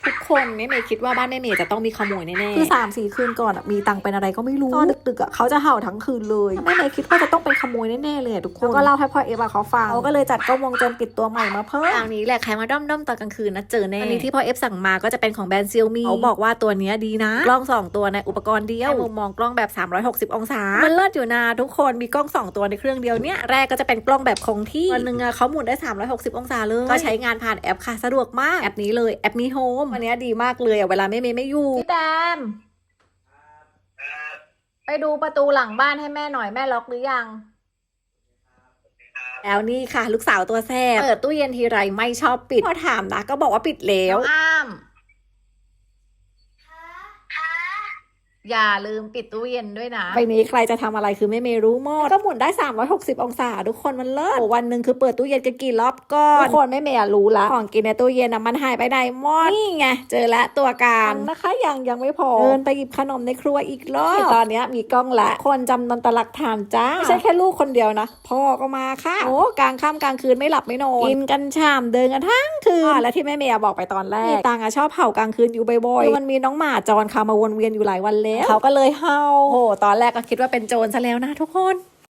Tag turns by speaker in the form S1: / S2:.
S1: ทุกคนแม่เมย์คิดว่าบ้านแม่เมย์จะต้องมีขโมยแน่ๆ
S2: คือ3-4 คืนก่อนมีตังเป็นอะไรก็ไม่รู้ตอนดึกๆเขาจะเห่าทั้งคืนเลยแม่เมย์คิดว่าจะต้องเป็นขโมยแน่ๆเลยทุกคนก็เล่าให้พ่อเอฟเขาฟังเขาก็เลยจัดกล้องวงจรปิดตัวใหม่มาเพิ่ม
S1: ทางนี้แหละใครมาด้อมๆตอนกลางคืนนะเจอแน่อันนี้ที่พ่อเอฟสั่งมาก็จะเป็นของแบรนด์เซียวมี่เขาบอกว่าตัวนี้ดีนะกล้อง2ตัวในอุปกรณ์เดียวมุมมองกล้องแบบ360องศามันเลิศอยู่นะทุกคนมีกล้อง2ตัวในเครื่องเดียวเนี่ยแรกก็จะเป็นกล้องแบบคงที่วันนึงเขาหมุนได้360องศาเลยก็ใช้งานผ่านแอปค่ะสะดวกมากแอปนี้เลยแอปมีโฮมอันนี้ดีมากเลยเวลาแม่เมย์ไม่อยู่พี่แดมไปดูประตูหลังบ้านให้แม่หน่อยแม่ล็อกหรือยังแล้วนี่ค่ะลูกสาวตัวแซ่บเปิดตู้เย็นทีไรไม่ชอบปิดพอถามนะก็บอกว่าปิดแล้วอ้ามอย่าลืมปิดตู้เย็นด้วยนะไปนี้ใครจะทำอะไรคือแม่เมย์รู้หมดก็หมุนได้360องศาทุกคนมันเลิศวันหนึ่งคือเปิดตู้เย็นกันกี่รอบก่อนทุกคนแม่เมย์รู้ละของกินในตู้เย็นมันหายไปไหนหมดนี่ไงเจอแล้วตัวการนะคะยังไม่พอเดินไปหยิบขนมในครัวอีกรอบตอนนี้มีกล้องละคนจำนวนตลักฐานจ้าไม่ใช่แค่ลูกคนเดียวนะพ่อก็มาค่ะโอ้กลางค่ำกลางคืนไม่หลับไม่นอนกินกันชามเดินกันทั้งคืนและที่แม่เมย์บอกไปตอนแรกตังชอบเห่ากลางคืนอยู่บ่อยๆมันมีน้องหมาจรค่ะมาวนเวียนอยู่หลายวันแล้วเขาก็เลยเห่าโอ้ตอนแรกก็คิดว่าเป็นโจรซะแล้วนะทุกคน